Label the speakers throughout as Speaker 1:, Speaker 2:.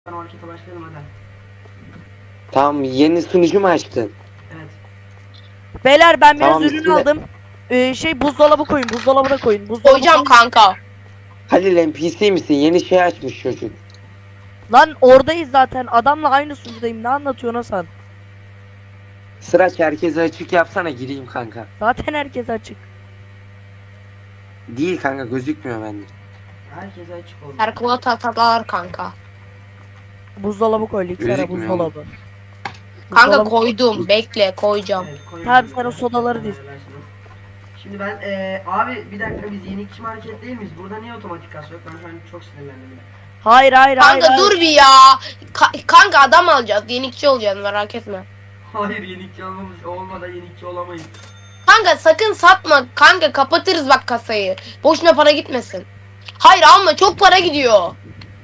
Speaker 1: Harekete başlayalım hadi.
Speaker 2: Tamam, yeni sunucu mu açtın?
Speaker 1: Evet.
Speaker 3: Beyler ben biraz
Speaker 2: Tamam,
Speaker 3: ürün
Speaker 2: ismi ne?
Speaker 3: aldım. Buzdolabı koyun, buzdolabına koyun. Buzdolabı
Speaker 4: Koyacağım
Speaker 3: koyun.
Speaker 4: kanka.
Speaker 2: Halil NPC misin? Yeni şey açmış çocuk.
Speaker 3: Lan oradayız zaten. Adamla aynı sunucudayım. Ne anlatıyorsun Hasan?
Speaker 2: Sıraç, herkese açık yapsana, gireyim kanka.
Speaker 3: Zaten herkes açık.
Speaker 2: Değil kanka, gözükmüyor bende.
Speaker 1: Herkese açık oldu.
Speaker 4: Herkula tatalar kanka.
Speaker 3: Buzdolabı koy, Liksera
Speaker 2: Gözükmüyor
Speaker 3: buzdolabı.
Speaker 4: Kanka
Speaker 3: Buzdolabı-
Speaker 4: koydum. Bekle koyacağım.
Speaker 1: Evet, koyun.
Speaker 3: Tamam, sen o sodaları diz.
Speaker 1: Şimdi ben abi bir dakika, biz yenilikçi market değil miyiz? Burada niye otomatik kasa yok? Ben şu an çok sinirlendim.
Speaker 3: Hayır hayır hayır.
Speaker 4: Kanka
Speaker 3: hayır.
Speaker 4: dur bir ya. Kanka adam alacağız. Yenikçi olacaksın merak etme.
Speaker 1: Hayır, yenilikçi olmadan yenilikçi olamayız.
Speaker 4: Kanka sakın satma. Kanka kapatırız bak kasayı. Boşuna para gitmesin. Hayır alma çok para gidiyor.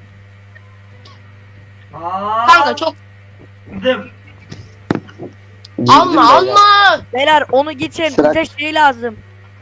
Speaker 1: Aa,
Speaker 4: Kanka çok
Speaker 1: dım.
Speaker 2: Girdim
Speaker 4: alma
Speaker 2: beyler.
Speaker 4: alma.
Speaker 3: Beyler onu geçin.
Speaker 2: Sıra-
Speaker 3: Bize şey lazım.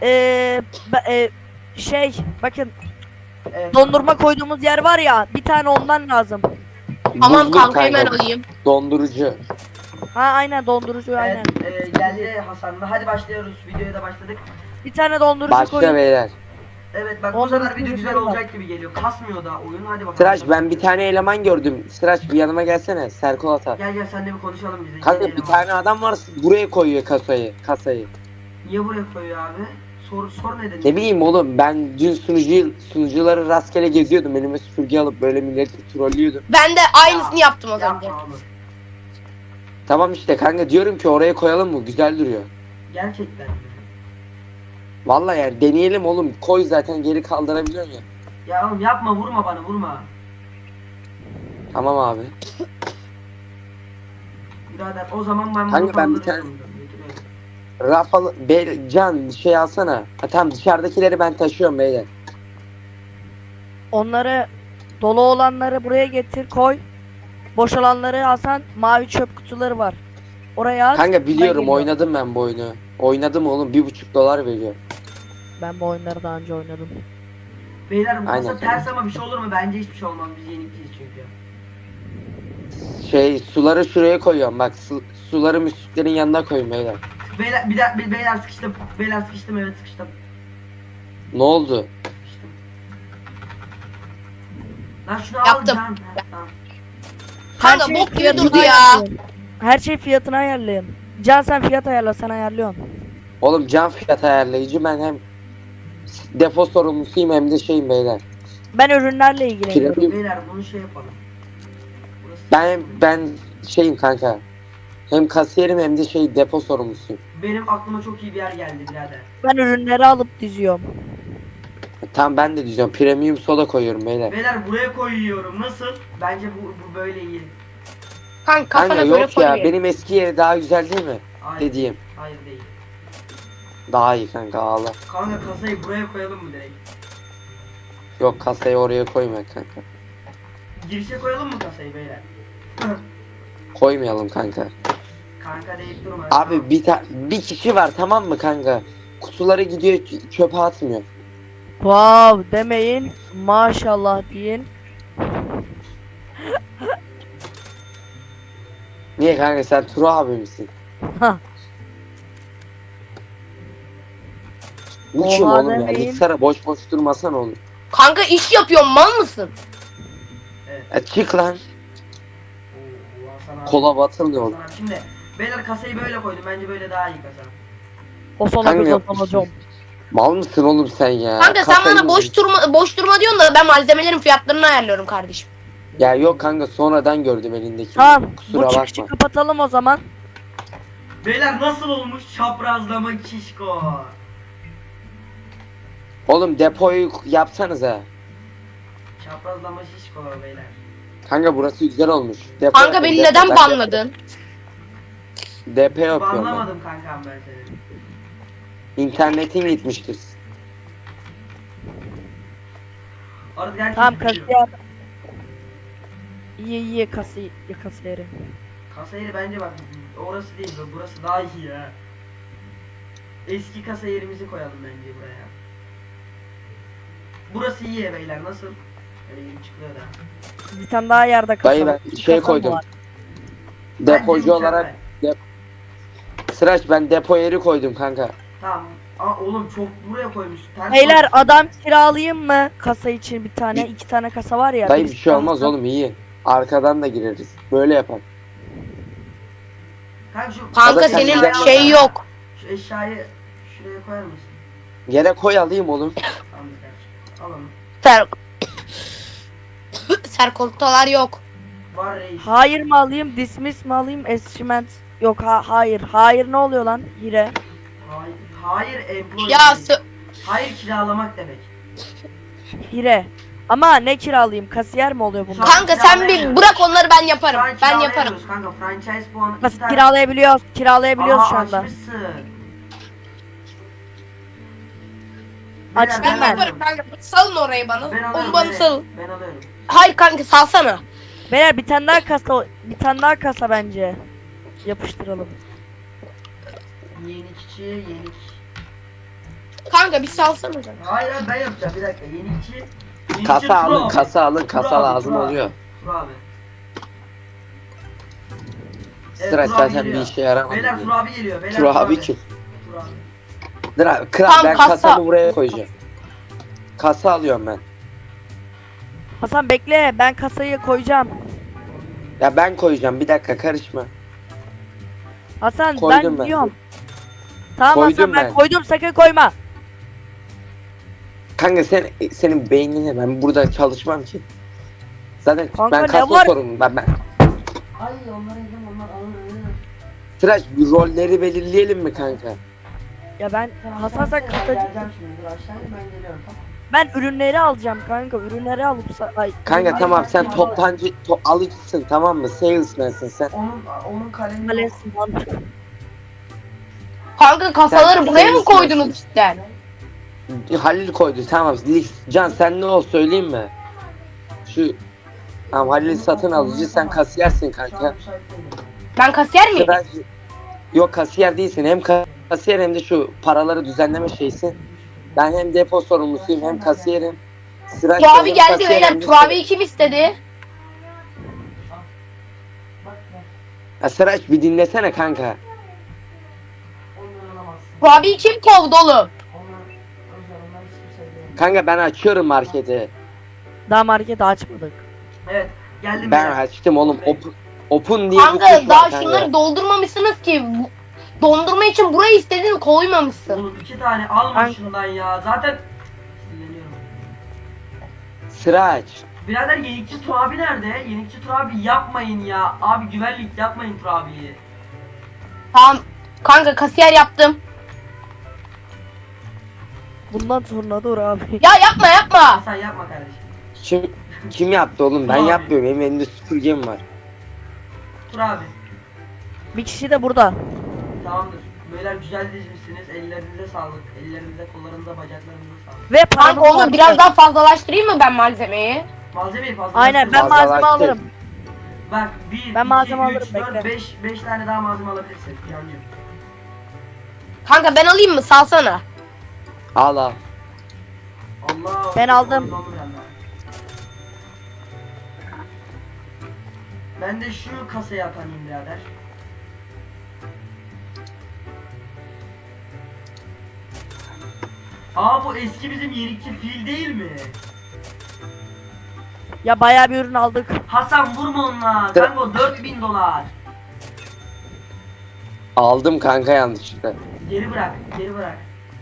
Speaker 3: Bakın
Speaker 1: Evet.
Speaker 3: dondurma koyduğumuz yer var ya. Bir tane ondan lazım.
Speaker 4: Tamam
Speaker 2: Buzluk
Speaker 4: kanka hemen alayım.
Speaker 2: Dondurucu.
Speaker 3: Ha aynen dondurucu aynen.
Speaker 1: Evet, geldi Hasan'la. Hadi başlıyoruz. Videoya da başladık.
Speaker 3: Bir tane dondurucu
Speaker 2: Başla
Speaker 3: koyun.
Speaker 2: beyler.
Speaker 1: Evet bak, bu
Speaker 3: Ondan
Speaker 1: sefer video
Speaker 3: sonra
Speaker 1: güzel
Speaker 3: şey var.
Speaker 1: olacak gibi geliyor. Kasmıyor da oyun. Hadi bakalım.
Speaker 2: Sıraç, ben bir tane eleman gördüm. Sıraç, bir yanıma gelsene. Serkol atar.
Speaker 1: Gel gel, senle bir konuşalım bize.
Speaker 2: Kanka
Speaker 1: Yeni
Speaker 2: bir
Speaker 1: eleman.
Speaker 2: tane adam var, buraya koyuyor kasayı.
Speaker 1: Niye buraya koyuyor abi? Sor neden?
Speaker 2: Ne bileyim oğlum, ben dün sunucuları rastgele geziyordum. Elime süpürge alıp böyle milleti trollüyordum.
Speaker 4: Ben de aynısını yaptım az önce.
Speaker 1: Yapma oğlum.
Speaker 2: Tamam işte kanka, diyorum ki oraya koyalım mı? Güzel duruyor.
Speaker 1: Gerçekten mi?
Speaker 2: Vallahi yani deneyelim oğlum. Koy, zaten geri kaldırabiliyorsun ya.
Speaker 1: Ya oğlum yapma, vurma bana, vurma.
Speaker 2: Tamam abi.
Speaker 1: Birader o zaman ben bunu
Speaker 2: Kanka ben bir
Speaker 1: kaldırıyorum.
Speaker 2: Rafael, Can şey alsana. Ha, tamam, dışarıdakileri ben taşıyorum beyler.
Speaker 3: Onları dolu olanları buraya getir koy. Boşalanları Hasan mavi çöp kutuları var. Oraya at.
Speaker 2: Kanka
Speaker 3: ben
Speaker 2: biliyorum,
Speaker 3: geliyorum.
Speaker 2: oynadım ben bu oyunu. Oynadım oğlum, $1,5 veriyor.
Speaker 3: Ben bu oyunları daha önce oynadım.
Speaker 1: Beyler bu kasa
Speaker 2: Aynen.
Speaker 1: ters ama bir şey olur mu? Bence hiçbir şey olmaz. Biz yenikliyiz çünkü.
Speaker 2: Suları şuraya koyuyorum bak, suları müslüklerin yanına koyun beyler.
Speaker 1: Beyler sıkıştım. Beyler sıkıştım, evet sıkıştım.
Speaker 2: Ne oldu?
Speaker 1: Sıkıştım. Lan şunu al
Speaker 4: Yaptım.
Speaker 1: Can. Ha, tamam.
Speaker 4: Kanka bok gibi
Speaker 3: fiyatını
Speaker 4: durdu ya.
Speaker 3: ayarlayın. Her şey fiyatını ayarlayın. Can sen fiyat ayarla, sen ayarlıyorsun.
Speaker 2: Oğlum, can fiyat ayarlayıcı, ben hem depo sorumlusuyum hem de şeyim beyler.
Speaker 3: Ben ürünlerle ilgileniyorum.
Speaker 1: Beyler bunu şey yapalım. Burası...
Speaker 2: Ben şeyim kanka. Hem kasiyerim hem de depo sorumlusuyum.
Speaker 1: Benim aklıma çok iyi bir yer geldi birader.
Speaker 3: Ben ürünleri alıp diziyorum.
Speaker 2: Tamam, ben de diyeceğim, premium soda koyuyorum beyler.
Speaker 1: Beyler buraya koyuyorum. Nasıl? Bence bu böyle iyi.
Speaker 4: Kanka
Speaker 2: Kanka
Speaker 4: kafana göre
Speaker 2: yok ya,
Speaker 4: koy.
Speaker 2: benim eski yeri daha güzel değil mi?
Speaker 1: Hayır.
Speaker 2: Dediğim.
Speaker 1: Hayır değil.
Speaker 2: Daha iyi kanka, ağla.
Speaker 1: Kanka kasayı buraya koyalım mı direkt?
Speaker 2: Yok, kasayı oraya koyma kanka.
Speaker 1: Girişe koyalım mı kasayı beyler?
Speaker 2: Koymayalım kanka.
Speaker 1: Kanka deyip durma.
Speaker 2: Abi bir kişi var, tamam mı kanka? Kutuları gidiyor, çöpe atmıyor.
Speaker 3: Wow demeyin. Maşallah deyin.
Speaker 2: Niye kanka, sen Turo abi misin?
Speaker 3: Hah.
Speaker 2: Bu kim
Speaker 3: Oha
Speaker 2: oğlum ya?
Speaker 3: demeyin.
Speaker 2: Liksara boş boş durmasana oğlum.
Speaker 4: Kanka iş yapıyorum mal mısın?
Speaker 2: Çık lan.
Speaker 1: Oo, Hasan abi.
Speaker 2: Kola batırmıyor oğlum.
Speaker 1: Hasan abi. Şimdi beyler kasayı böyle koydum. Bence böyle daha iyi kasa.
Speaker 3: O sona
Speaker 2: Kanka
Speaker 3: bir
Speaker 2: yok.
Speaker 3: kazanacağım.
Speaker 2: Mal mısın oğlum sen ya?
Speaker 4: Kanka sen
Speaker 2: Kasayı
Speaker 4: bana boş durma diyorsun da ben malzemelerin fiyatlarını ayarlıyorum kardeşim.
Speaker 2: Ya yok kanka, sonradan gördüm elindeki.
Speaker 3: Tamam.
Speaker 2: Kusura
Speaker 3: Bu çıkışı
Speaker 2: bakma.
Speaker 3: kapatalım o zaman.
Speaker 1: Beyler nasıl olmuş çaprazlama şişko?
Speaker 2: Oğlum depoyu yapsanıza.
Speaker 1: Çaprazlama şişko beyler.
Speaker 2: Kanka burası güzel olmuş. Depo
Speaker 4: Kanka
Speaker 2: yapın,
Speaker 4: beni
Speaker 2: depo.
Speaker 4: neden
Speaker 2: Ben
Speaker 4: banladın?
Speaker 2: DP yapıyorum ben.
Speaker 1: Anlamadım kankam ben seni.
Speaker 2: İnternetin gitmiştir.
Speaker 1: Artık herkes
Speaker 3: Tamam
Speaker 1: biliyor.
Speaker 3: kasiyer. İyi kasiyeri.
Speaker 1: Kasa yeri bence bak orası değil, burası daha iyi ya. Eski kasa yerimizi koyalım bence buraya. Burası iyi beyler, nasıl? Böyle yeni çıkıyor da.
Speaker 3: Bir tane daha yerde kasa.
Speaker 2: Dayı ben
Speaker 3: İki
Speaker 2: şey
Speaker 3: kasa mı
Speaker 2: koydum.
Speaker 3: var?
Speaker 2: Depocu
Speaker 1: Bence
Speaker 2: olarak Sıraç ben depo yeri koydum kanka.
Speaker 1: Tamam. Aa oğlum çok buraya koymuş. Ters
Speaker 3: Beyler
Speaker 1: koymuş.
Speaker 3: adam kiralayayım mı? Kasa için bir tane, iki tane kasa var ya.
Speaker 2: Dayı bir
Speaker 3: birisi
Speaker 2: şey olmaz
Speaker 3: kalsın.
Speaker 2: oğlum iyi. Arkadan da gireriz. Böyle yapalım.
Speaker 1: Kanka şu
Speaker 4: Kanka
Speaker 2: Arada
Speaker 4: senin
Speaker 2: sen-
Speaker 4: şey yok.
Speaker 1: Şu eşyayı şuraya koyar mısın?
Speaker 2: Yere koy alayım oğlum.
Speaker 1: Tamam kardeşim. Al onu.
Speaker 4: Ser Serkoltalar yok.
Speaker 1: Var reis.
Speaker 3: Hayır mı alayım, dismiss mi alayım, eschiment? Yok hayır. Hayır ne oluyor lan? Hire.
Speaker 1: Hayır. Hayır employee.
Speaker 4: Ya
Speaker 1: demek. Hayır kiralamak demek.
Speaker 3: Hire. Ama ne kiralayayım? Kasiyer mi oluyor bunlar?
Speaker 4: kanka sen bir bırak onları ben yaparım.
Speaker 1: Şu an
Speaker 4: Ben yaparım.
Speaker 1: kiralayamıyoruz kanka. Franchise puanı iki
Speaker 3: Nasıl
Speaker 1: tane.
Speaker 3: kiralayabiliyoruz? Kiralayabiliyoruz
Speaker 1: Aa,
Speaker 3: şu anda.
Speaker 1: açmışsın.
Speaker 3: Açtım
Speaker 1: Beyler,
Speaker 3: ben.
Speaker 4: Yaparım kanka. Salın orayı bana.
Speaker 1: Ben
Speaker 4: Onu
Speaker 1: alıyorum.
Speaker 4: bana salın.
Speaker 1: Ben alıyorum.
Speaker 4: Hayır kanka salsana.
Speaker 3: Beyler bir tane daha kasa, bir tane daha kasa bence. Yapıştıralım.
Speaker 1: Yenikçi, yenik.
Speaker 4: Kanka bir salsana.
Speaker 1: Hayır ben yapacağım bir dakika. Yenikçi.
Speaker 2: Kasa
Speaker 1: Tur
Speaker 2: alın,
Speaker 1: abi.
Speaker 2: kasa alın,
Speaker 1: Tur
Speaker 2: kasa
Speaker 1: abi,
Speaker 2: lazım
Speaker 1: tur abi.
Speaker 2: oluyor.
Speaker 1: Tur abi.
Speaker 2: Sıraç
Speaker 1: Tur abi
Speaker 2: zaten bir
Speaker 1: geliyor.
Speaker 2: işe yaramadı.
Speaker 1: Beyler Tur abi geliyor. Beyler
Speaker 2: Tur abi kim?
Speaker 1: Tur abi.
Speaker 2: Dur abi, kral
Speaker 4: Tamam,
Speaker 2: ben
Speaker 4: kasa.
Speaker 2: kasamı buraya koyacağım. Kasa alıyorum ben.
Speaker 3: Hasan bekle, ben kasayı koyacağım.
Speaker 2: Ya ben koyacağım bir dakika karışma.
Speaker 3: Hasan
Speaker 2: Koydum
Speaker 3: ben
Speaker 2: ben.
Speaker 3: diyorum. Tamam
Speaker 2: Koydum
Speaker 3: Hasan ben
Speaker 2: ben.
Speaker 3: koydum, sakın koyma.
Speaker 2: Kanka senin beynine ben burada çalışmam ki. Zaten
Speaker 3: Kanka
Speaker 2: ben
Speaker 3: ne
Speaker 2: kasa
Speaker 3: var?
Speaker 2: sorumluyum ben.
Speaker 1: Ay onlara yedim onlar alır.
Speaker 2: Sıraç bir rolleri belirleyelim mi kanka?
Speaker 3: Ya ben Hasan sen kasacı.
Speaker 1: Geleceğim şimdi dur aşağıya ben geliyorum tamam.
Speaker 3: Ben ürünleri alacağım kanka. Ürünleri alıp ay.
Speaker 2: Kanka
Speaker 1: Hayır,
Speaker 2: tamam
Speaker 1: ben
Speaker 2: sen
Speaker 1: şey
Speaker 2: toptancı alıcısın tamam mı? Salesman'sın sen.
Speaker 1: Onun kalemi yok.
Speaker 3: Malesin lan.
Speaker 4: Kanka kasaları
Speaker 2: Sen
Speaker 4: buraya mı
Speaker 2: sayısın.
Speaker 4: koydunuz cidden?
Speaker 2: Halil koydu tamam. Can sen ne ol söyleyeyim mi? Şu tamam Halil satın alıcı sen kasiyersin
Speaker 1: Şu an
Speaker 2: kanka.
Speaker 1: müsait değilim.
Speaker 4: Ben kasiyer miyim?
Speaker 2: Sıraç yok kasiyer değilsin hem kasiyer hem de şu paraları düzenleme şeysin. Ben hem depo sorumlusuyum hem kasiyerim. Sıraç da
Speaker 4: Turabi
Speaker 2: hem
Speaker 4: geldi
Speaker 2: kasiyer
Speaker 4: beyler.
Speaker 2: hem de
Speaker 4: Turabi'yi kim istedi?
Speaker 1: Bak ya
Speaker 2: Ya Sıraç bir dinlesene kanka.
Speaker 1: onları alamazsın.
Speaker 4: Turabi'yi kim kovdu oğlum?
Speaker 1: Onlar özel onlar hiç kimse değil.
Speaker 2: Kanka ben açıyorum marketi.
Speaker 3: Daha market açmadık.
Speaker 1: Evet geldim
Speaker 2: Ben
Speaker 1: beyler.
Speaker 2: açtım oğlum. Open diye bir tuş
Speaker 4: Kanka
Speaker 2: var
Speaker 4: daha
Speaker 2: kanka.
Speaker 4: şunları doldurmamışsınız ki. Dondurma için burayı istedin koymamışsın.
Speaker 1: Oğlum 2 tane alma
Speaker 3: Ben-
Speaker 1: şundan ya. Zaten sinirleniyorum.
Speaker 2: Sıraç.
Speaker 1: Birader Yenikçi Tur abi nerede? Yenikçi Tur abi yapmayın ya. Abi güvenlik yapmayın Tur abiyi.
Speaker 4: Tamam. Kanka kasiyer yaptım.
Speaker 3: Bundan sonra dur abi.
Speaker 4: Ya yapma yapma.
Speaker 1: Sen yapma kardeşim.
Speaker 2: Kim yaptı oğlum? Ben
Speaker 1: Abi.
Speaker 2: yapmıyorum. Benim elimde süpürgem var.
Speaker 1: Tur abi.
Speaker 3: Bir kişi de burada.
Speaker 1: Tamamdır. Beyler güzel dizmişsiniz. Ellerinize sağlık. Ellerinize, kollarınıza, bacaklarınıza sağlık.
Speaker 3: Ve
Speaker 4: Kanka
Speaker 3: paramız var.
Speaker 4: onu biraz daha fazlalaştırayım mı ben malzemeyi?
Speaker 1: Malzemeyi fazla.
Speaker 3: Aynen ben
Speaker 2: Fazlalaştır.
Speaker 3: malzeme alırım.
Speaker 1: Bak 1,
Speaker 3: Ben malzeme
Speaker 1: 2, 3,
Speaker 3: alırım,
Speaker 1: 4,
Speaker 3: bekle.
Speaker 1: 5 tane daha malzeme alabilirsin. Yancım.
Speaker 4: Kanka ben alayım mı? Salsana.
Speaker 2: Al al.
Speaker 1: Allah.
Speaker 3: Ben aldım.
Speaker 1: oyun oldu bende. Ben de şu kasaya atanayım birader. Aa bu eski bizim yenikçi fil değil mi?
Speaker 3: Ya bayağı bir ürün aldık.
Speaker 1: Hasan vurma onunla. Kanka o 4000 dolar.
Speaker 2: Aldım kanka yanlışlıkla.
Speaker 1: Geri bırak, geri bırak.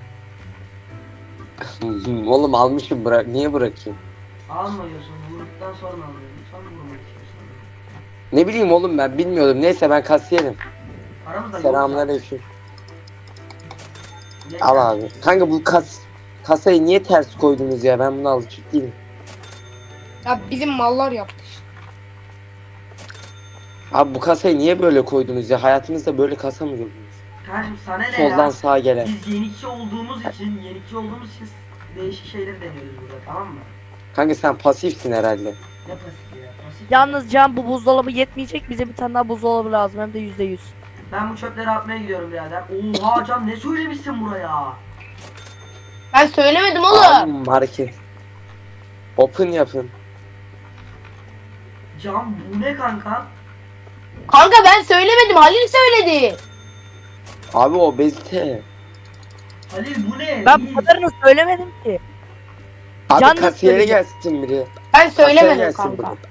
Speaker 2: Oğlum almışım bırak. Niye bırakayım?
Speaker 1: Almıyorsun, vurduktan sonra alıyorsun. Sonra vurmak istiyorsan.
Speaker 2: Ne bileyim oğlum ben bilmiyordum. Neyse ben kasiyerim.
Speaker 1: Aramızda
Speaker 2: Selamünaleyküm.
Speaker 1: Gel,
Speaker 2: Al
Speaker 1: gel.
Speaker 2: abi. Kanka bu kasayı niye ters koydunuz ya? Ben bunu alışık değilim.
Speaker 4: Ya bizim mallar yaptı.
Speaker 2: Abi bu kasayı niye böyle koydunuz ya? Hayatınızda böyle kasa mı gördünüz?
Speaker 1: Kardeşim sana ne
Speaker 2: Soldan
Speaker 1: ya?
Speaker 2: sağa gelen.
Speaker 1: Biz yenikçi olduğumuz için değişik şeyleri deniyoruz burada tamam mı?
Speaker 2: Kanka sen pasifsin herhalde.
Speaker 1: Ne pasif ya? Pasif.
Speaker 3: Yalnız Can bu buzdolabı yetmeyecek. Bize bir tane daha buzdolabı lazım. Hem de %100.
Speaker 1: Ben bu çöpleri atmaya gidiyorum birader. Oha Can ne söylemişsin buraya?
Speaker 4: Ben söylemedim
Speaker 2: Abi
Speaker 4: oğlum.
Speaker 2: market. Open yapın.
Speaker 1: Cam bu ne kanka?
Speaker 4: Kanka ben söylemedim, Halil söyledi.
Speaker 2: Abi obezite.
Speaker 1: Halil bu ne?
Speaker 3: Ben
Speaker 1: Reis.
Speaker 3: bu kadarını söylemedim ki.
Speaker 2: Abi
Speaker 3: Can da
Speaker 2: kasiyere
Speaker 3: söyledi.
Speaker 2: gelsin biri.
Speaker 4: Ben
Speaker 2: Kasiyere
Speaker 4: söylemedim
Speaker 2: gelsin
Speaker 4: kanka.
Speaker 2: biri.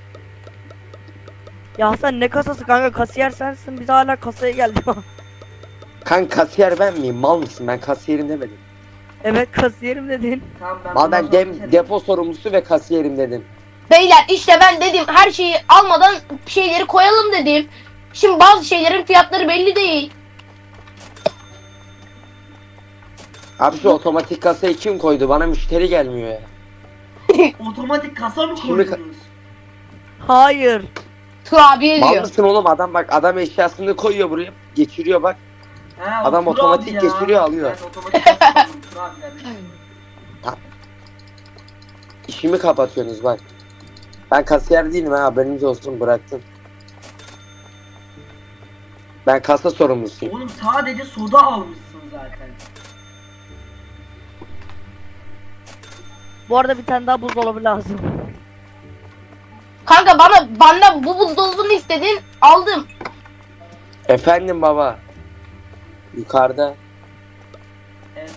Speaker 3: Ya Hasan ne kasası kanka, kasiyer sensin, biz hala kasaya geldik.
Speaker 2: Kanka kasiyer ben miyim? Mal mısın? Ben kasiyerim demedim.
Speaker 3: Evet kasiyerim dedin.
Speaker 1: Tamam,
Speaker 2: Mal
Speaker 1: bundan
Speaker 2: ben
Speaker 1: sonra bir şey-
Speaker 2: depo sorumlusu ve kasiyerim dedim.
Speaker 4: Beyler işte ben dedim her şeyi almadan şeyleri koyalım dedim. Şimdi bazı şeylerin fiyatları belli değil.
Speaker 2: Abi şu otomatik kasayı kim koydu? Bana müşteri gelmiyor ya.
Speaker 1: Otomatik kasa mı
Speaker 2: Şimdi
Speaker 1: koydunuz?
Speaker 3: Hayır.
Speaker 4: Kurabiye
Speaker 2: Mal
Speaker 4: diyor.
Speaker 2: mısın oğlum? Adam bak, adam eşyasını koyuyor buraya, geçiriyor bak.
Speaker 1: Ha,
Speaker 2: Adam
Speaker 1: o Tur
Speaker 2: otomatik
Speaker 1: abi ya.
Speaker 2: geçiriyor, alıyor.
Speaker 1: Ben otomatik kasa sandım, Tur abi yani.
Speaker 2: İşimi kapatıyorsunuz bak. Ben kasiyer değilim ha, haberiniz olsun, bıraktım. Ben kasa sorumlusuyum.
Speaker 1: Oğlum sadece soda almışsın zaten.
Speaker 3: Bu arada bir tane daha buzdolabı lazım.
Speaker 4: Kanka bana bu buzdolabını istedin, aldım.
Speaker 2: Efendim baba. Yukarıda.
Speaker 1: Evet.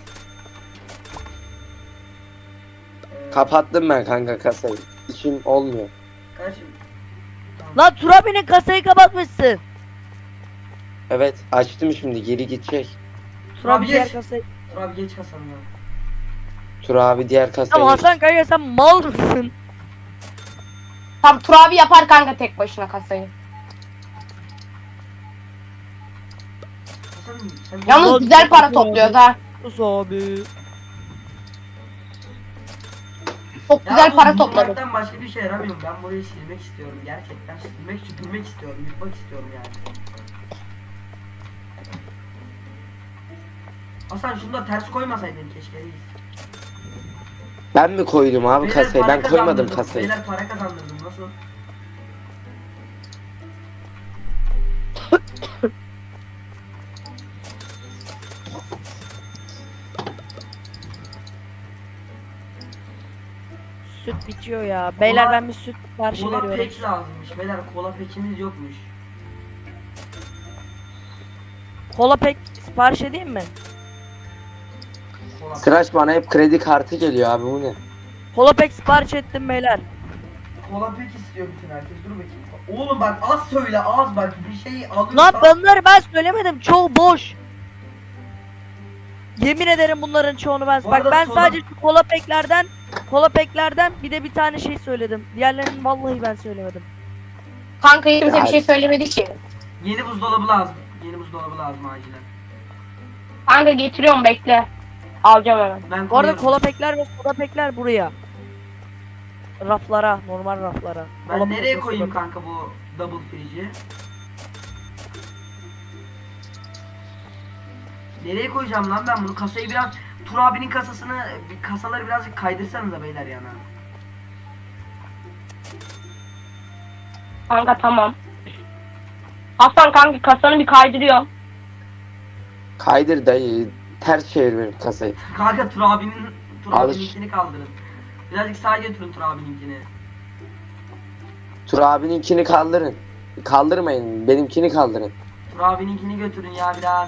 Speaker 2: Kapattım ben kanka kasayı. İşim olmuyor.
Speaker 1: Kardeşim. Tamam.
Speaker 3: Lan Turabi'nin kasayı kapatmışsın.
Speaker 2: Evet, açtım şimdi, geri gidecek.
Speaker 3: Turabi diğer
Speaker 1: geç.
Speaker 3: kasayı.
Speaker 1: Tur abi geç kasanı ya.
Speaker 2: Tur abi diğer kasaya
Speaker 3: Tamam Hasan kanka, sen mal mısın?
Speaker 4: Tam Turabi yapar kanka tek başına kasayı.
Speaker 1: Sen
Speaker 4: Yalnız
Speaker 3: Ulan
Speaker 4: güzel para
Speaker 3: çok
Speaker 4: topluyoruz ha.
Speaker 3: Sus abi.
Speaker 4: Çok güzel para topladık.
Speaker 1: topladım. Başka bir şey yaramıyorum. Ben burayı silmek istiyorum. Gerçekten silmek, süpürmek istiyorum. Yıkmak istiyorum yani. Hasan şunu da ters koymasaydın keşke reis.
Speaker 2: Ben mi koydum abi
Speaker 1: Beyler
Speaker 2: kasayı?
Speaker 1: para
Speaker 2: Ben koymadım
Speaker 1: kazandırdım.
Speaker 2: kasayı.
Speaker 1: Beyler para kazandırdım. Nasıl?
Speaker 3: Süt bitiyor ya. Beyler
Speaker 1: Kola-
Speaker 3: ben bir süt siparişi
Speaker 1: Kola
Speaker 3: veriyorum.
Speaker 1: pek lazımmış. Beyler kola pekimiz yokmuş.
Speaker 3: Kola pek sipariş edeyim mi?
Speaker 1: Kola,
Speaker 2: Sıraç bana hep kredi kartı geliyor abi, bu ne?
Speaker 3: Kola pek sipariş ettim beyler.
Speaker 1: kola pek istiyor bütün herkes. Dur bakayım. Oğlum bak az söyle az bak. Bir şeyi alırsan.
Speaker 3: Lan bunları ben söylemedim. Çoğu boş. Yemin ederim bunların çoğunu ben.
Speaker 1: Bu
Speaker 3: Bak
Speaker 1: arada
Speaker 3: ben
Speaker 1: soda-
Speaker 3: sadece şu kola peklerden bir de bir tane şey söyledim. Diğerlerini vallahi ben söylemedim.
Speaker 4: Kanka kimse
Speaker 2: Ya-
Speaker 4: bir şey söylemedi ki.
Speaker 1: Yeni buzdolabı lazım. Yeni buzdolabı lazım acilen.
Speaker 4: Kanka getiriyorum bekle. Alacağım hemen.
Speaker 1: Ben
Speaker 3: Bu arada
Speaker 1: koyuyorum.
Speaker 3: kola pekler ve soda pekler buraya. Raflara, normal raflara.
Speaker 1: Ben
Speaker 3: Kola
Speaker 1: nereye
Speaker 3: pek,
Speaker 1: koyayım
Speaker 3: soda pek.
Speaker 1: kanka bu double fridge'i? Nereye koyacağım lan ben bunu? Kasayı biraz Tur abinin kasasını, kasaları birazcık kaydırsanıza beyler yana.
Speaker 4: Kanka tamam. Hasan kanka kasanı bir kaydırıyorum.
Speaker 2: Kaydır dayı. Ters çevir benim kasayı.
Speaker 1: Kanka Tur
Speaker 2: Alış.
Speaker 1: abininkini kaldırın. Birazcık sağa götürün Tur abininkini.
Speaker 2: Tur abininkini kaldırın. Kaldırmayın. Benimkini kaldırın.
Speaker 1: Tur abininkini götürün ya biraz.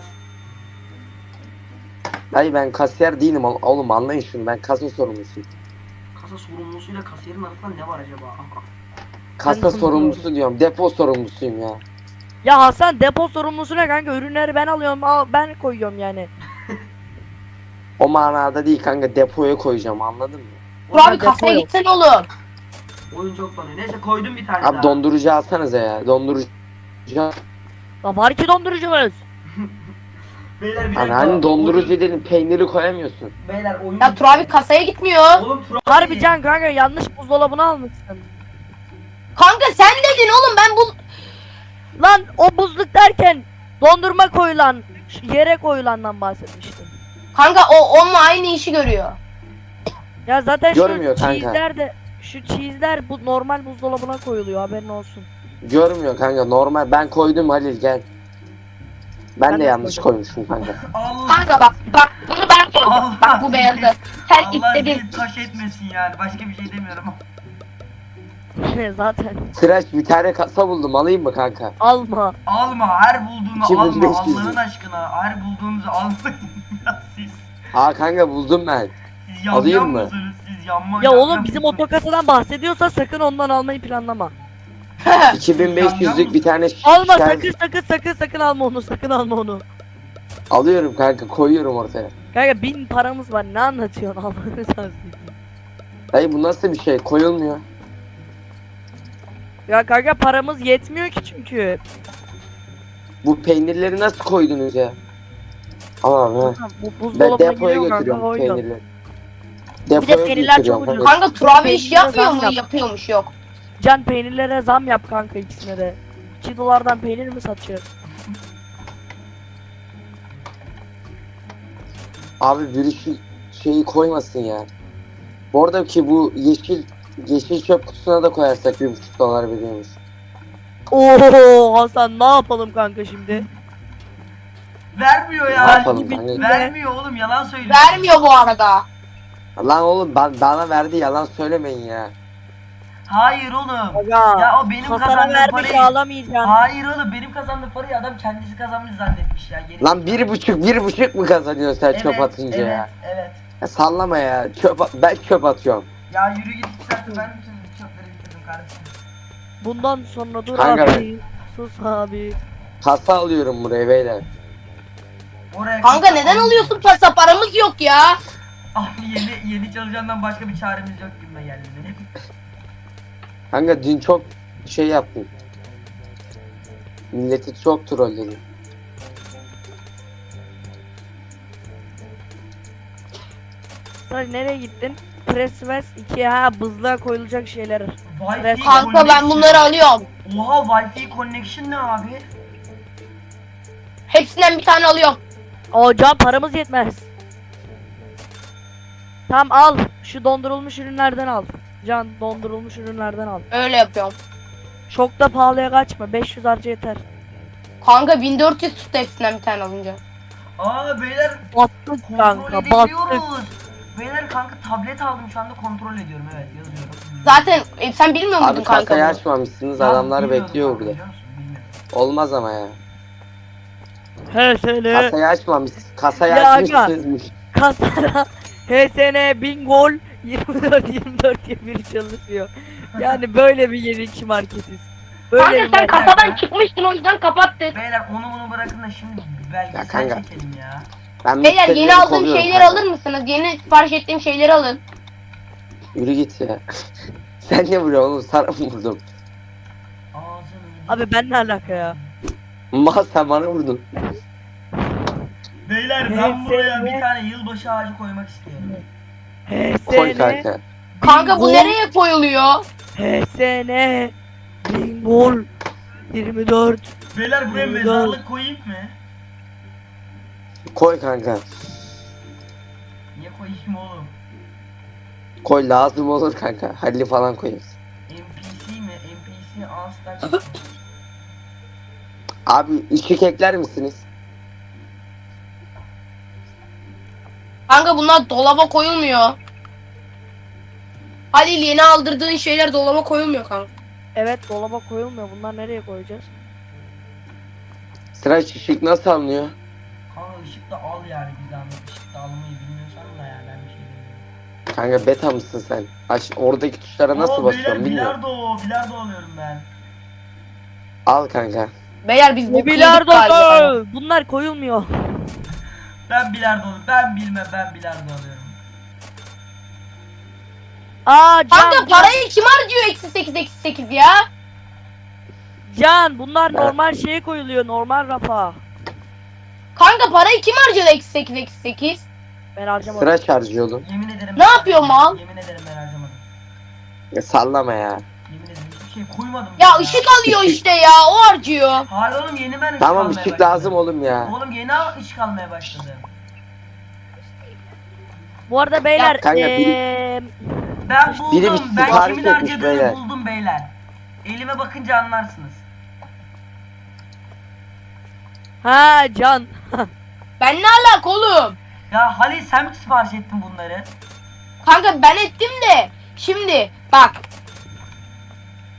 Speaker 2: Hayır ben kasiyer değilim oğlum, anlayın şunu. Ben kasa sorumlusuyum.
Speaker 1: Kasa sorumlusuyla kasiyerin arasında ne var acaba? Aha.
Speaker 2: Kasa
Speaker 3: Ben
Speaker 2: sorumlusu diyorum. Depo sorumlusuyum ya.
Speaker 3: Ya Hasan depo sorumlusu ne kanka? Ürünleri ben alıyorum, ben koyuyorum yani.
Speaker 2: O manada değil kanka, depoya koyacağım, anladın mı?
Speaker 4: Turabi
Speaker 3: depo
Speaker 4: kasaya
Speaker 3: yok.
Speaker 4: gitsene oğlum.
Speaker 1: Oyun çok banıyor. Neyse koydum bir tane
Speaker 2: Abi
Speaker 1: daha.
Speaker 2: dondurucu alsanıza ya. Dondurucu.
Speaker 3: Lan var ki dondurucumuz.
Speaker 1: Beyler bir
Speaker 2: Hani
Speaker 1: dakika.
Speaker 2: hani dondurucu
Speaker 1: Oyun-
Speaker 2: dedim, peyniri koyamıyorsun.
Speaker 1: Beyler oyun.
Speaker 4: Ya Turabi kasaya gitmiyor.
Speaker 1: Oğlum Tur abi.
Speaker 3: Harbi can kanka, yanlış buzdolabını almışsın.
Speaker 4: Kanka sen dedin oğlum ben bu...
Speaker 3: Lan o buzluk derken dondurma koyulan, yere koyulandan bahsetmiştim.
Speaker 4: Kanka o onunla aynı işi görüyor.
Speaker 3: Ya zaten
Speaker 2: Görmüyor
Speaker 3: şu
Speaker 2: kanka.
Speaker 3: cheese'ler de, şu cheese'ler bu normal buzdolabına koyuluyor, haberin olsun.
Speaker 2: Görmüyor kanka, normal. Ben koydum Halil, gel. Ben
Speaker 3: Ben
Speaker 2: de
Speaker 3: de
Speaker 2: yanlış
Speaker 3: koydum.
Speaker 2: koymuşum kanka.
Speaker 1: Allah.
Speaker 4: Kanka bak bunu ben koydum.
Speaker 1: Allah.
Speaker 4: Bak bu beyazı. Sen
Speaker 1: Allah
Speaker 4: istedin.
Speaker 1: seni taş etmesin yani. Başka bir şey demiyorum.
Speaker 3: Zaten
Speaker 2: Sıraç bir tane kasa buldum, alayım mı kanka?
Speaker 3: alma.
Speaker 1: Alma, her bulduğunu
Speaker 2: 2500
Speaker 1: alma Allah'ın aşkına. Her bulduğunuzu almayın ya siz.
Speaker 2: Aa kanka buldum ben.
Speaker 1: Siz
Speaker 2: Alayım
Speaker 1: yanmıyor
Speaker 2: mı?
Speaker 1: musunuz? Siz yanma.
Speaker 3: Ya oğlum bizim otokasadan bahsediyorsa sakın ondan almayı planlama.
Speaker 2: 2500'lük bir tane
Speaker 3: Alma
Speaker 2: şer-
Speaker 3: sakın alma onu, sakın alma onu.
Speaker 2: alıyorum kanka, koyuyorum ortaya.
Speaker 3: Kanka 1000 paramız var, ne anlatıyorsun Allah'ını seversen.
Speaker 2: Dayı bu nasıl bir şey? Koyulmuyor.
Speaker 3: Ya kanka paramız yetmiyor ki çünkü.
Speaker 2: Bu peynirleri nasıl koydunuz ya? Aman ha.
Speaker 3: Bu
Speaker 2: Ben
Speaker 3: buzdolabına
Speaker 2: depoya
Speaker 3: giriyor kanka,
Speaker 2: götürüyorum
Speaker 3: koyuyor.
Speaker 2: peynirleri.
Speaker 3: Bir de
Speaker 2: Depoya
Speaker 3: peynirler
Speaker 2: götürüyorum
Speaker 3: çok ucuz.
Speaker 2: kanka.
Speaker 4: Kanka Turabi iş
Speaker 3: Peynirlere
Speaker 4: yapmıyor
Speaker 3: zam
Speaker 4: mu?
Speaker 3: yap.
Speaker 4: Yapıyormuş, yok.
Speaker 3: Can peynirlere zam yap kanka, ikisine de. 2 dolardan peynir mi satıyor?
Speaker 2: Abi biri şu şeyi koymasın ya. Bu arada ki bu yeşil çöp kutusuna da koyarsak 1,5 dolar veriyormuş.
Speaker 3: Oo Hasan, ne yapalım kanka şimdi?
Speaker 1: Vermiyor
Speaker 2: Ne
Speaker 1: ya.
Speaker 2: yapalım kanka?
Speaker 1: Vermiyor oğlum, yalan söylüyor.
Speaker 4: Vermiyor bu arada.
Speaker 2: Lan oğlum bana verdi, yalan söylemeyin ya.
Speaker 1: Hayır oğlum.
Speaker 3: Aga,
Speaker 1: Ya o benim
Speaker 3: Hasan'a
Speaker 1: kazandığım
Speaker 3: vermiş
Speaker 1: parayı.
Speaker 3: ağlamayacaksın.
Speaker 1: Hayır oğlum, benim kazandığım parayı adam kendisi kazanmış zannetmiş ya. Geri
Speaker 2: Lan 1,5 mı kazanıyorsun sen çöp atınca
Speaker 1: evet,
Speaker 2: ya?
Speaker 1: Evet.
Speaker 2: Ya sallama ya. Ben çöp atıyorum.
Speaker 1: Ya yürü git 2 saattir ben bütün çöpleri bitirdim kardeşim.
Speaker 3: Bundan sonra dur
Speaker 2: Kanka
Speaker 3: abi. Sus abi.
Speaker 2: Kasa alıyorum buraya beyler.
Speaker 1: Oraya
Speaker 4: Kanka neden alıyorsun pasa? Paramız yok ya.
Speaker 1: Abi yeni çalışandan başka bir çaremiz yok gibime geldi benim.
Speaker 2: Kanka dün çok şey yaptım. Milleti çok trolledim.
Speaker 3: Sen nereye gittin? Presswest 2'ye ha, buzluğa koyulacak şeyler.
Speaker 1: Wi-Fi
Speaker 4: Kanka ben
Speaker 1: connection.
Speaker 4: bunları alıyorum.
Speaker 1: Oha, Wi-Fi connection ne abi?
Speaker 4: Hepsinden bir tane alıyorum.
Speaker 3: O can paramız yetmez. Tamam al. Şu dondurulmuş ürünlerden al. Can dondurulmuş ürünlerden al.
Speaker 4: Öyle yapıyorum.
Speaker 3: Çok da pahalıya kaçma. 500 harca yeter.
Speaker 4: Kanka 1400 tuttu hepsinden bir tane alınca.
Speaker 1: Aa beyler,
Speaker 3: Battık
Speaker 1: kontrol
Speaker 3: kanka, battık.
Speaker 1: edebiliyoruz. Beyler kanka tablet aldım, şu anda kontrol ediyorum, evet yazıyorum.
Speaker 4: Zaten sen bilmiyor muydun
Speaker 2: Abi
Speaker 4: kanka
Speaker 2: kasayı
Speaker 4: bunu?
Speaker 2: açmamışsınız,
Speaker 1: Ya,
Speaker 2: adamlar
Speaker 1: bilmiyordum
Speaker 2: bekliyor
Speaker 1: kanka,
Speaker 2: burada.
Speaker 1: biliyor musun? Bilmiyordum.
Speaker 2: Olmaz ama ya.
Speaker 3: He sene.
Speaker 2: Kasayı açmamış. Kasayı
Speaker 3: Ya
Speaker 2: açmışsınız.
Speaker 3: Kasara. HSN Bingol 24 diye biri çalışıyor. Yani böyle bir yenilikçi marketiz. Böyle
Speaker 4: Kanka
Speaker 3: bir
Speaker 4: sen
Speaker 3: market.
Speaker 4: kasadan çıkmıştın, o yüzden kapattık.
Speaker 1: Beyler onu bunu bırakın da şimdi belgesel
Speaker 2: Ya kanka.
Speaker 1: çekelim ya.
Speaker 2: Ben
Speaker 4: Beyler yeni
Speaker 2: müşterileri
Speaker 4: aldığım
Speaker 2: kovuyorum
Speaker 4: şeyleri
Speaker 2: kanka.
Speaker 4: alır mısınız? Yeni sipariş ettiğim şeyleri alın.
Speaker 2: Yürü git ya. Sen ne vuruyorsun oğlum? Sana mı vurdum?
Speaker 1: Ağzını.
Speaker 3: Abi ben ne alaka ya?
Speaker 2: Mal sen bana vurdun.
Speaker 1: Beyler ben buraya bir tane yılbaşı ağacı koymak istiyorum.
Speaker 2: Koy
Speaker 3: HSN
Speaker 2: kanka.
Speaker 4: Kanka bu
Speaker 3: Bingol,
Speaker 4: nereye koyuluyor?
Speaker 3: HSN Bingol 24.
Speaker 1: Beyler buraya
Speaker 3: Güzel.
Speaker 1: mezarlık koyayım mı?
Speaker 2: Koy kanka.
Speaker 1: Niye koyayım oğlum?
Speaker 2: Koy, lazım olur kanka. Halil falan koyarız.
Speaker 1: NPC mi? NPC All-Star.
Speaker 2: Abi ışık ekler misiniz?
Speaker 4: Kanka bunlar dolaba koyulmuyor. Halil yeni aldırdığın şeyler dolaba koyulmuyor kanka.
Speaker 3: Evet dolaba koyulmuyor. Bunlar nereye koyacağız?
Speaker 2: Sıra ışık nasıl alınıyor?
Speaker 1: Kanka ışık da al yani, bir zahmet. Işık da almayı bilmiyorsan da yani ben bir şey bilmiyorum.
Speaker 2: Kanka beta mısın sen? Oradaki tuşlara nasıl basıyorum bilmiyorum.
Speaker 1: Bilardo alıyorum ben.
Speaker 2: Al kanka.
Speaker 4: Beyler biz bu
Speaker 3: Ne
Speaker 4: kıydık
Speaker 3: bilardo?
Speaker 4: galiba.
Speaker 3: Bunlar koyulmuyor.
Speaker 1: Ben bilardo alıyorum. Ben bilmem, ben bilardo alıyorum.
Speaker 3: Aa
Speaker 4: Kanka
Speaker 3: Can,
Speaker 4: parayı kim harcıyor -8 ya?
Speaker 3: Can bunlar
Speaker 2: Ben-
Speaker 3: normal şeye koyuluyor, normal rafa.
Speaker 4: Kanka parayı kim harcadı -8?
Speaker 3: Ben harcamadım.
Speaker 2: Sıra şarjıyordum.
Speaker 1: Yemin ederim.
Speaker 4: Ne yapıyor mal?
Speaker 1: Yemin ederim ben harcamadım.
Speaker 2: Ya sallama ya.
Speaker 1: Yemin ederim hiçbir şey koymadım.
Speaker 4: Ya ışık alıyor işte ya, o harcıyor.
Speaker 1: Hayır oğlum, yeni ben ışık
Speaker 2: Tamam
Speaker 1: almaya
Speaker 2: ışık
Speaker 1: başladım.
Speaker 2: lazım oğlum ya.
Speaker 1: Oğlum yeni ışık almaya başladım.
Speaker 3: Bu arada beyler
Speaker 2: kanka,
Speaker 1: Ben
Speaker 2: Biri
Speaker 1: buldum.
Speaker 2: bir
Speaker 1: Ben
Speaker 2: sipariş
Speaker 1: kimin
Speaker 2: etmiş
Speaker 1: harcadığını
Speaker 2: beyler.
Speaker 1: buldum beyler. Elime bakınca anlarsınız.
Speaker 3: ha Can.
Speaker 4: Ben ne alaka oğlum?
Speaker 1: Ya Halil, sen mi sipariş ettin bunları?
Speaker 4: Kanka ben ettim de. Şimdi bak.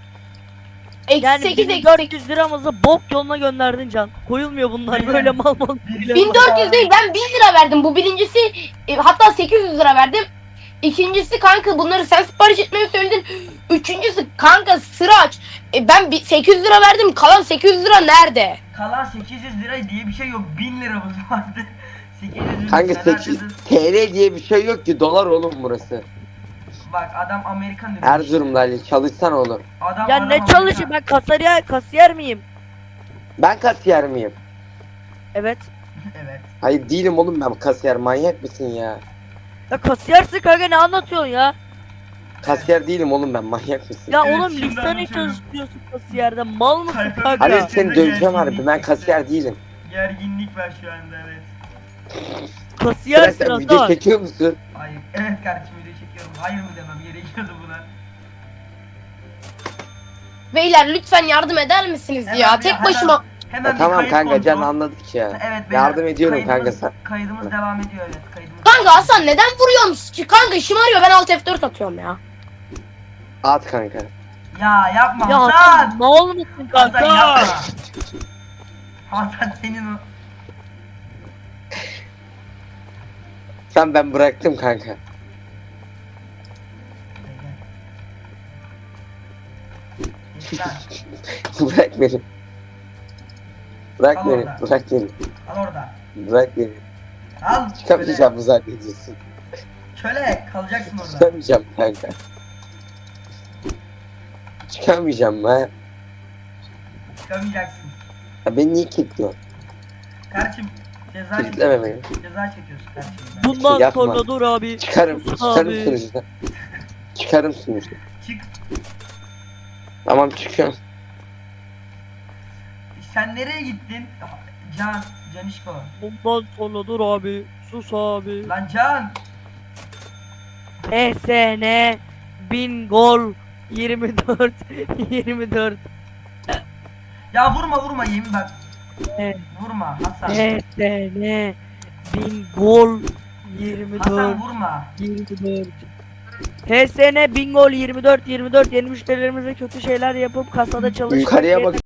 Speaker 3: Yani
Speaker 4: 8
Speaker 3: 1400 liramızı bok yoluna gönderdin Can. Koyulmuyor bunlar böyle mal mal.
Speaker 4: 1400 değil, ben 1000 lira verdim. Bu birincisi, hatta 800 lira verdim. İkincisi kanka bunları sen sipariş etmeyi söyledin. Üçüncüsü kanka sıra aç. Ben 800 lira verdim. Kalan 800 lira nerede?
Speaker 1: Kalan 800 lira diye bir şey yok. 1000 liramız vardı. 800 lira
Speaker 2: Kanka
Speaker 1: sen
Speaker 2: 8
Speaker 1: harcadın.
Speaker 2: TL diye bir şey yok ki, dolar oğlum burası.
Speaker 1: Bak adam Amerikan demiş.
Speaker 2: Erzurum'da Ali, çalışsan oğlum.
Speaker 3: Ya ne çalışayım, ben kasiyer miyim?
Speaker 2: Ben kasiyer miyim?
Speaker 3: Evet.
Speaker 1: Evet.
Speaker 2: Hayır değilim oğlum, ben kasiyer, manyak mısın ya?
Speaker 3: Ya kasiyersin kanka, ne anlatıyorsun ya?
Speaker 2: Kasiyer değilim oğlum ben, manyak mısın?
Speaker 3: Ya
Speaker 1: Evet,
Speaker 3: oğlum
Speaker 1: şimdi
Speaker 3: listene
Speaker 1: anlatıyorum.
Speaker 3: çalışıyorsun kasiyerde, mal mısın
Speaker 1: Kalp-
Speaker 3: kanka?
Speaker 2: Ali
Speaker 1: Ya,
Speaker 2: seni döveceğim harbi, ben kasiyer değilim.
Speaker 1: Gerginlik var şu anda, evet.
Speaker 2: Sen,
Speaker 3: Kasiyersin
Speaker 2: sen video
Speaker 3: Hasan.
Speaker 2: çekiyor musun?
Speaker 1: Hayır. Evet kardeşim, video çekiyorum. Hayır mı demem gerekiyordu buna.
Speaker 4: Beyler lütfen yardım eder misiniz
Speaker 1: Hemen
Speaker 4: ya?
Speaker 1: bir-
Speaker 4: Tek
Speaker 1: hemen-
Speaker 4: başıma.
Speaker 1: Hemen
Speaker 2: Ya
Speaker 1: bir
Speaker 2: tamam
Speaker 1: kayıt
Speaker 2: kanka, Can
Speaker 1: kontrol.
Speaker 2: anladık ya.
Speaker 1: Evet beyler,
Speaker 2: Yardım ediyorum kanka
Speaker 1: kaydımız-
Speaker 2: sen.
Speaker 1: Kaydımız devam ediyor, evet. Kaydımız
Speaker 4: Kanka Hasan neden vuruyorsun ki? Kanka şımarıyor, ben alt F4 atıyorum ya.
Speaker 2: At kanka.
Speaker 1: Ya yapma
Speaker 3: Ya
Speaker 1: Hasan.
Speaker 3: Hasan mal mısın
Speaker 1: Hasan
Speaker 3: kanka?
Speaker 1: yapma. Hasan senin o.
Speaker 2: Sen, ben bıraktım kanka.
Speaker 1: Geç lan.
Speaker 2: Bırak beni. Bırak
Speaker 1: Al
Speaker 2: beni,
Speaker 1: orada.
Speaker 2: bırak beni.
Speaker 1: Al orada.
Speaker 2: Bırak beni.
Speaker 1: Al.
Speaker 2: Çıkamayacağım mı zannediyorsun?
Speaker 1: Köle kalacaksın orada.
Speaker 2: Çıkamayacağım kanka. Çıkamayacağım ben.
Speaker 1: Çıkamayacaksın.
Speaker 2: Ya beni niye kilitliyorsun?
Speaker 1: Kardeşim ceza
Speaker 2: Kilitleme beni.
Speaker 1: Ceza çekiyorsun kardeşim.
Speaker 3: Bundan
Speaker 2: Yapma.
Speaker 3: sonra dur abi.
Speaker 2: Çıkarım,
Speaker 3: Sus
Speaker 2: çıkarım
Speaker 3: abi.
Speaker 2: sunucudan. Çıkarım sunucudan.
Speaker 1: Çık.
Speaker 2: Tamam çıkıyorum.
Speaker 1: Sen nereye gittin? Canişko.
Speaker 3: Bundan sonra dur abi. Sus abi.
Speaker 1: Lan Can.
Speaker 3: ESN 1000 gol 24 24
Speaker 1: Ya vurma yemin bak.
Speaker 3: Evet.
Speaker 1: Vurma Hasan.
Speaker 3: ESN 1000 gol 24
Speaker 1: Hasan vurma.
Speaker 3: 24 HSN 1000 gol 24 24 yeni müşterilerimize kötü şeyler yapıp kasada çalışmak
Speaker 2: Yukarıya
Speaker 3: yerine
Speaker 2: bak.